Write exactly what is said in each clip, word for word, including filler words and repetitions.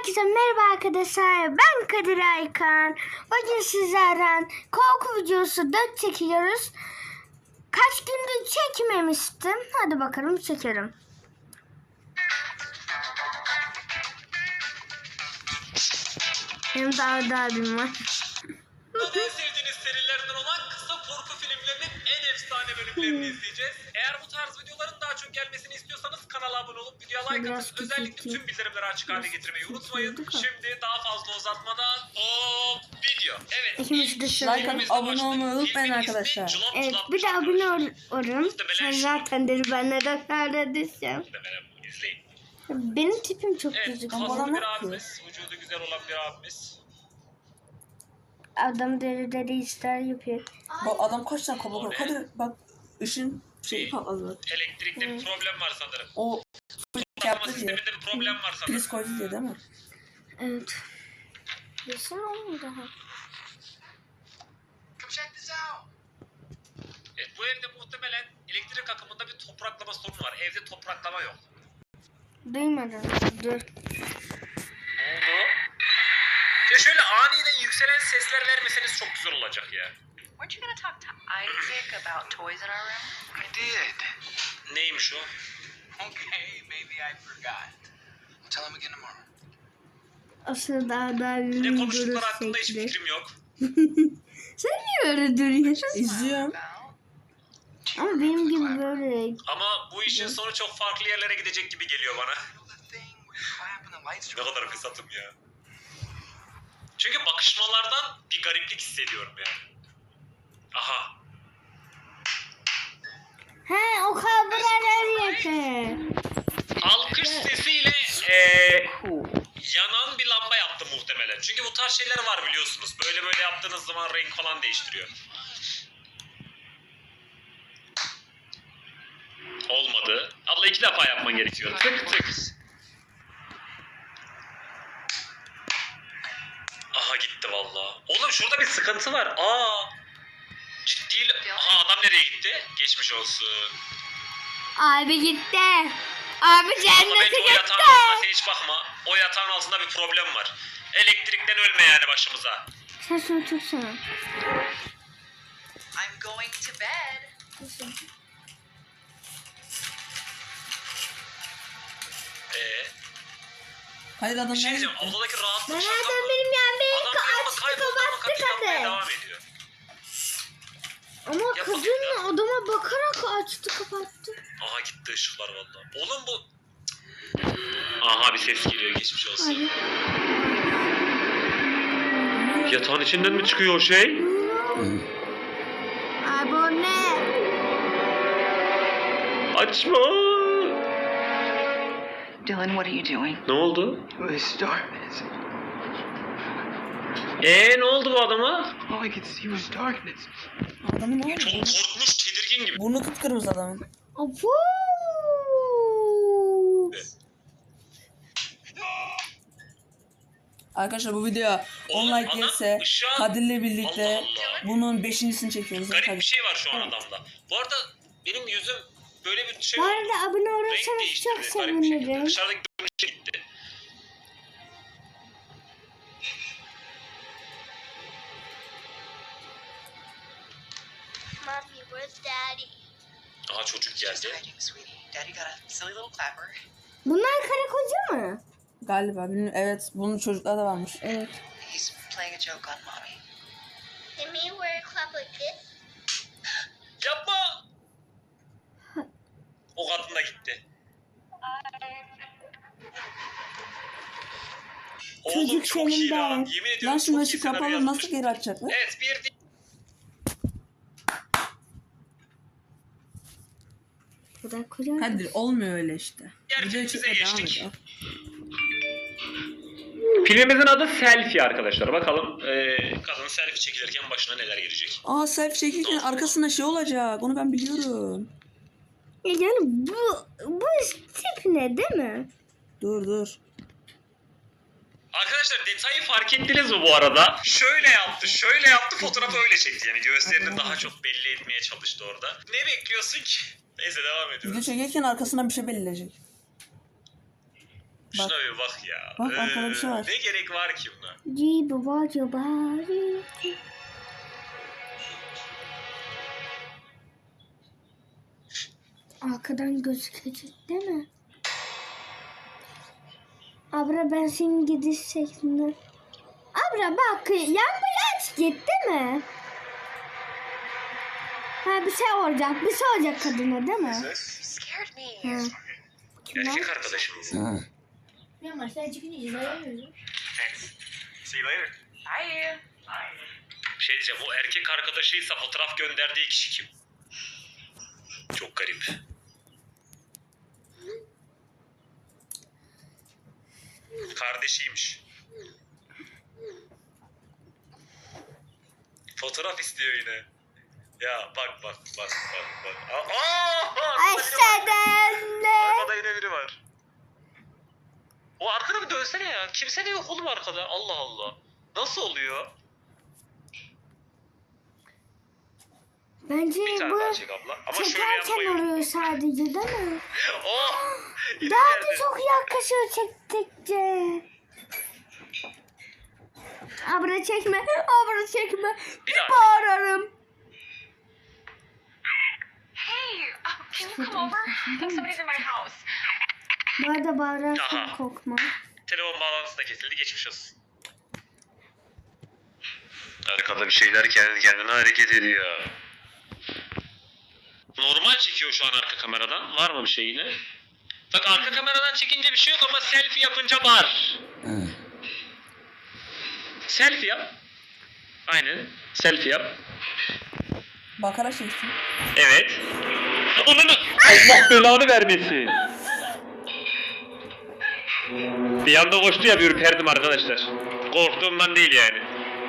Herkese merhaba arkadaşlar. Ben Kadir Aykan. Bugün sizlerden korku videosu dört çekiyoruz. Kaç gündür çekmemiştim. Hadi bakalım çekerim. Benim daha da abim var. En sevdiğiniz serilerden olan kısa korku filmlerinin en efsane bölümlerini izleyeceğiz. Eğer bu tarz videoların daha çok gelmesini istiyorsanız kanala abone olup videoya like atıp özellikle tüm bildirimleri açık hale getirmeyi unutmayın. Şimdi daha fazla uzatmadan o video. Evet. İkimiz de ilk like bölümümüzle atıp abone başladık. olmayı unutmayın Filmin ismi arkadaşlar. Cılap Evet, Cılap bir de Cılap abone arkadaşlar. olurum. Muhtemelen Sen şu- zaten dedi ben neden neredeyim. Muhtemelen bunu izleyin. Benim tipim çok Evet, gözüküyor. kaslı bana bir ne yapıyor? abimiz, vücudu güzel olan bir abimiz. Adam deri deri işler yapıyor. Bak adam kaç tane kabuk var. Hadi bak ışın şeyi patladı bak. Elektrikte bir problem var sanırım. O Patlatma yaptı diye. sisteminde bir problem var sanırım. Priz koydu diye değil mi? Evet. Desene oğlum daha. Evet, bu evde muhtemelen elektrik akımında bir topraklama sorunu var. Evde topraklama yok. Duymadım. Dur. Ne oldu? Ya şöyle aniden yükselen sesler vermeseniz çok güzel olacak ya. Weren't you gonna talk to Isaac about toys in our room? I did. Neymiş o? Okay, maybe I forgot. I'll tell him again tomorrow. Aslında daha daha Ne ünlü konuştukları hakkında hiç durursak. fikrim yok. Sen niye öyle duruyorsun? İzliyorum. Ama benim gibi böyle. Ama bu işin sonu çok farklı yerlere gidecek gibi geliyor bana. The thing where you clap and the lights Ne are kadar fesatım ya. Çünkü bakışmalardan bir gariplik hissediyorum yani. Aha. He o kabralar yapıyor. Alkış sesiyle eee yanan bir lamba yaptı muhtemelen. Çünkü bu tarz şeyler var biliyorsunuz. Böyle böyle yaptığınız zaman renk falan değiştiriyor. Olmadı. Abla iki defa yapman gerekiyor. Tık tık. Aha gitti valla. Oğlum şurada bir sıkıntı var. Aa. Ciddi. Aha adam nereye gitti? Geçmiş olsun. Abi gitti. Abi Ama cennete bence o gitti. yatağın altında sen hiç bakma. O yatağın altında bir problem var. Elektrikten ölme yani başımıza. Sen şunu tutsana. I'm going to bed. Eee? Hayır adam Bir şey nerede? diyeceğim. Odadaki Ben rahatlık şaka nereden mı? benim yani benim Adam bir anda açtı kayboldu ama kapattı kapıyı yapmaya kadın. devam ediyor. Ama Yap kadın bakayım adama bakarak açtı kapattı. Aha gitti ışıklar valla. Oğlum bu... Aha bir ses geliyor geçmiş olsun. Yatağın içinden mi çıkıyor o şey? Abi o ne? Açma. Dylan, what are you doing? Ne oldu? This darkness. Eee ne oldu bu adama? All I could see was darkness. Adamın ne Çok oldu? korkmuş, tedirgin gibi. Burnu kıpkırmızı adamın. Abu. Arkadaşlar bu video on Oğlum, like adam gelirse ışığa- Kadir'le birlikte Allah Allah. bunun beşincisini çekiyoruz. Garip Hadi. bir şey var şu an adamda. Bu arada benim yüzüm böyle bir şey Bu oldu. arada abone Renk olursanız değiştirdi. çok Garip bir şekilde. sevinirim. Dışarıdaki görünüşe gitti. Mommy, where's Daddy? Aha çocuk Just geldi. hiding, sweetie. Daddy got a silly little clapper. Bunlar karı koca mı? Galiba bilmiyorum. Evet bunun çocuklar da varmış. Evet. He's playing a joke on mommy. Did me wear a club like this? Yapma! O kadın da gitti. Oğlum Çocuk çok iyi senin lan. de. Yemin ediyorum Lan şimdi çok iyi ışık senaryo kapalı yazmış. nasıl geri açacaklar? Evet bir değil. Bu da koca. Kadir olmuyor öyle işte. Diğer Video filmimize çekmeye devam geçtik. ediyor. Filmimizin adı Selfie arkadaşlar. Bakalım ee, kadın selfie çekilirken başına neler gelecek. Aa selfie çekirken arkasında şey olacak. Onu ben biliyorum. Ya yani bu bu tip ne değil mi? Dur dur. Arkadaşlar detayı fark ettiniz mi bu arada? Şöyle yaptı, şöyle yaptı, fotoğrafı öyle çekti. Yani göğüslerini daha çok belli etmeye çalıştı orada. Ne bekliyorsun ki? Neyse devam Video ediyoruz. çekerken arkasından bir şey belirleyecek. Şuna bir bak ya. Bak, arkada bir şey var. Ne gerek var ki buna? Cibu bacı bari. Arkadan gözükecek değil mi? Abra ben senin gidiş şeklinde. Abra bak lambayı aç git değil mi? Ha bir şey olacak. Bir şey olacak kadına değil mi? You scared me. Ha. Erkek arkadaşım. Ya maçtan çıkınca izleyemiyoruz. See you later. Bye. Bir şey diyeceğim, o erkek arkadaşıysa fotoğraf gönderdiği kişi kim? Çok garip. Kardeşiymiş. Fotoğraf istiyor yine. Ya bak bak bak bak bak. Aa! Aşağıdan ne? Arkada yine biri var. O arkada bir dönsene ya. Kimse de yok oğlum arkada. Allah Allah. Nasıl oluyor? Bence Bir tane bu daha çek abla. Ama şöyle çekerken yapmayın. oluyor sadece değil mi? Oh! Yine Daha da geldi. çok yaklaşıyor çektikçe. Abra çekme, abra çekme. Bir daha. Bağırırım. Hey, um, can you come over? I think somebody's in my house. Bu arada bağırırsan Aha. korkma. Telefon bağlantısı da kesildi. Geçmiş olsun. Arkada bir şeyler kendi kendine hareket ediyor. Normal çekiyor şu an arka kameradan. Var mı bir şey yine? Bak arka kameradan çekince bir şey yok ama selfie yapınca var. Selfie yap. Aynen. Selfie yap. Bakarak çeksin. Evet. Ananı Allah belanı vermesin. Bir anda koştu ya bir ürperdim arkadaşlar. Korktuğumdan değil yani.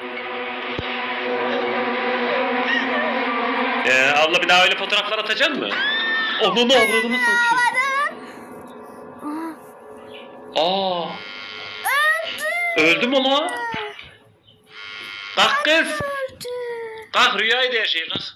Ee, abla bir daha öyle fotoğraflar atacaksın mı? Ananı avradını satayım. Aa. Öldü mü lan? Kalk kız. Kalk rüyaydı her şey kalk.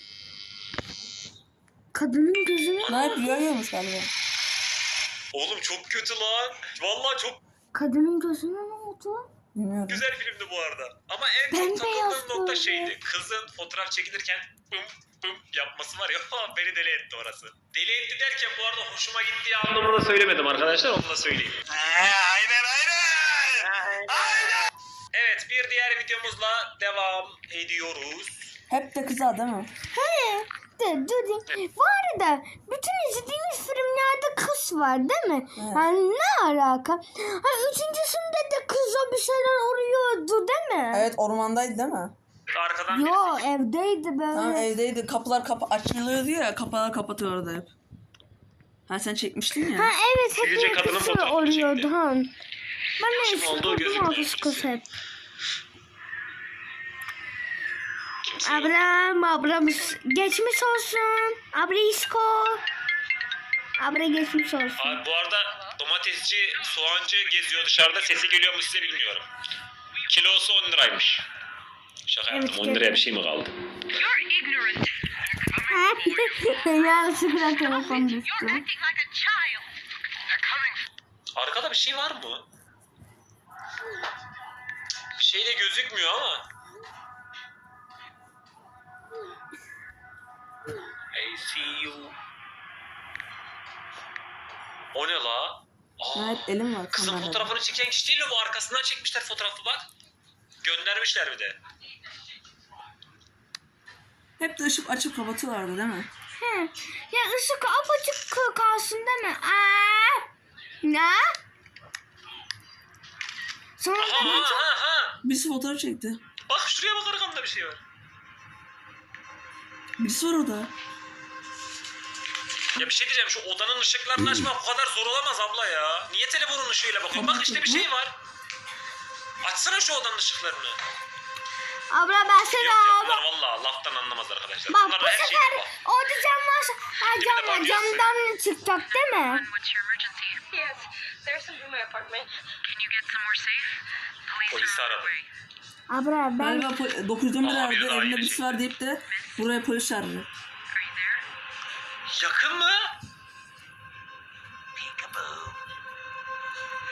Kadının gözüne... Ne hep rüya görmüş galiba. Oğlum çok kötü lan. Vallahi çok Kadının gözüne ne oldu? Bilmiyorum. güzel filmdi bu arada. Ama en Bembeyaz çok takıldığım nokta böyle. şeydi. Kızın fotoğraf çekilirken pım pım yapması var ya beni deli etti orası. Deli etti derken bu arada hoşuma gittiği anlamında söylemedim arkadaşlar, onu da söyleyeyim. Aynen aynen. Aynen. Evet, bir diğer videomuzla devam ediyoruz. Hep de kıza değil mi? He, de, dur, bu arada bütün izlediğimiz filmlerde kız var değil mi? Evet. Yani ne alaka? Ha, üçüncüsünde de kıza bir şeyler oluyordu değil mi? Evet, ormandaydı değil mi? Arkadan Yo birisi- evdeydi böyle. Tamam, evdeydi. Kapılar kapa açılıyordu ya. Kapılar kapatıyordu hep. Ha sen çekmiştin ya. Ha evet hep Sizce bir kadının kız fotoğrafını oluyordu çekti. ha. Ben de Kim olduğu gözükmüyor kız kız kimse. hep. Kimse yok. Ablam ablamız geçmiş olsun. Abrisko. Abra geçmiş olsun. Abi bu arada domatesçi, soğancı geziyor dışarıda. Sesi geliyor mu size bilmiyorum. Kilosu on liraymış. Şaka Evet, yaptım. on liraya bir şey mi kaldı? You're ignorant. Yanlışlıkla telefon düştü. You're acting like a child. They're coming. Arkada bir şey var mı? Bir şey de gözükmüyor ama. I see you. O ne la? Aa, Evet, elim var kızın kamerada. fotoğrafını çeken kişi değil mi bu? Arkasından çekmişler fotoğrafı bak. Göndermişler bir de. Hep de ışık açıp kapatıyorlardı değil mi? He. Ya ışık apaçık kalsın değil mi? Aa! Ne? Sonra Aha da aha aha. Birisi fotoğraf çekti. Bak şuraya bak arkamda bir şey var. Birisi var orada. Ya bir şey diyeceğim, şu odanın ışıklarını açmak bu kadar zor olamaz abla ya. Niye telefonun ışığıyla bakıyorsun? Bak işte bir şey var. Açsana şu odanın ışıklarını. abla ben seni Yok ya, aldım. bunlar valla laftan anlamaz arkadaşlar. Bak Bunlar bu her şeyi sefer bak. orada cam varsa ha, Bir de cam var. bak Camdan çıkacak değil mi? What's your emergency? Yes, there's some in my apartment. Can you get somewhere safe? Police Polisi are on aradım. the way. Abla ben Galiba pol- dokuz yüz on bir Aa, biri aradı. daha Evinde yeni birisi çekti. var deyip de buraya polis çağırdı. Are you there? Yakın mı?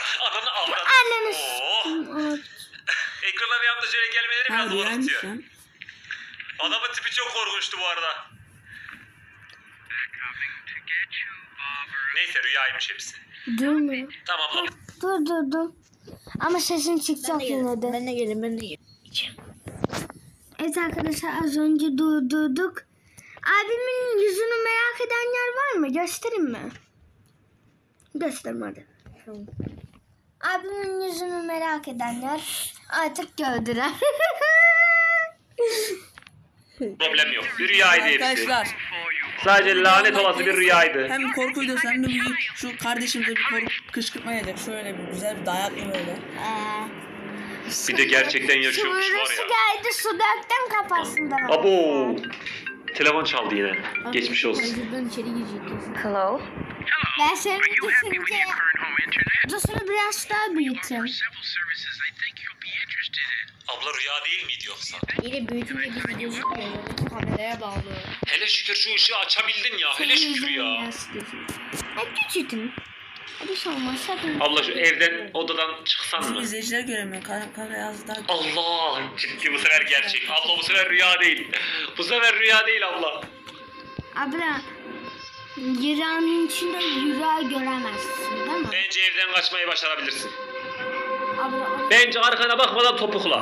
Ananı avradı. Anneni Oo. Ekrana bir anda şöyle gelmeleri Ha biraz rüyaymış korkutuyor. lan. Adamın tipi çok korkunçtu bu arada. Neyse rüyaymış hepsi. Durmuyor. Tamam lan. Dur dur dur. Ama sesin çıkacak yine de. Ben de gelin ben de gelin. Evet arkadaşlar az önce durdurduk. Abimin yüzünü merak edenler var mı? Göstereyim mi? Göstereyim hadi. Abimin yüzünü merak edenler artık gördüler. Problem yok. Bir rüyaydı hepsi. Arkadaşlar Sadece lanet olası bir rüyaydı. hem korku videosu hem de bir şu kardeşimize bir korku kışkırtma yedik. Şöyle bir güzel bir dayaklı böyle. Ee, Bir de gerçekten yaşıyormuş var Su ya. geldi su döktüm kafasından. Abo. Telefon çaldı yine. Geçmiş olsun. Şuradan içeri girecek. Hello? Ben seni düşünce Dostunu biraz daha büyüteyim. Abla rüya değil miydi yoksa? Yine büyütünce bizi gözükmüyor. Kameraya bağlı. Hele şükür şu ışığı açabildin ya. Hele şükür ya. Hadi küçültün. Hadi şey olmaz hadi. Abla şu evden odadan çıksan Bizim mı? izleyiciler göremiyor. Kamera kamera yazdı daha. Allah ciddi bu sefer gerçek. Abla bu sefer rüya değil. Bu sefer rüya değil abla. Abla yılanın içinde yürüyor göremezsin değil mi? Bence evden kaçmayı başarabilirsin. Abla Bence arkana bakmadan topukla.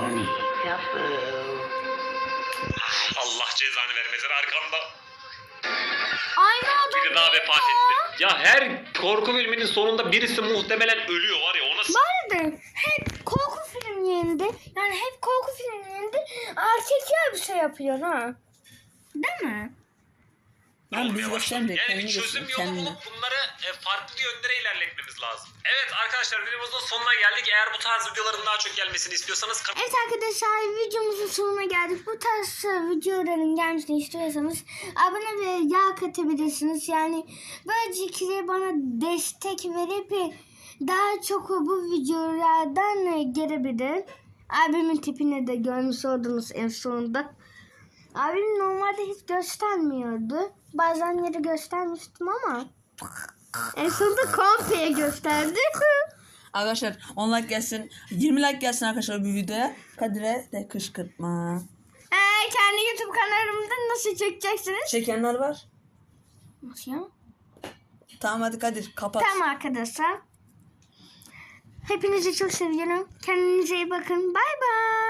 Allah cezanı vermesin arkanda. aynı adam Biri daha vefat etti. Ya her korku filminin sonunda birisi muhtemelen ölüyor var ya ona s- Bu arada hep korku filmlerinde yani hep korku filmlerinde erkekler bir şey yapıyor ha. Değil mi? Lan biz göstermeyecek. Yani Kendini bir çözüm göster. yolu Kendini. bulup bunları e, farklı yönlere ilerletmemiz lazım. Evet arkadaşlar videomuzun sonuna geldik. Eğer bu tarz videoların daha çok gelmesini istiyorsanız kan- Evet arkadaşlar videomuzun sonuna geldik. Bu tarz videoların gelmesini istiyorsanız abone ve yağ katabilirsiniz. Yani böylelikle bana destek verip daha çok bu videolardan gelebilir. Abimin tipini de görmüş oldunuz en sonunda. Abim normalde hiç göstermiyordu. Bazen yeri göstermiştim ama en sonunda komple gösterdi. Arkadaşlar on like gelsin. yirmi like gelsin arkadaşlar bu videoya. Kadir'e de kışkırtma. Ee, kendi YouTube kanalımda nasıl çekeceksiniz? Çekenler var. Nasıl ya? Tamam hadi Kadir kapat. Tamam arkadaşlar. Hepinizi çok seviyorum. Kendinize iyi bakın. Bay bay.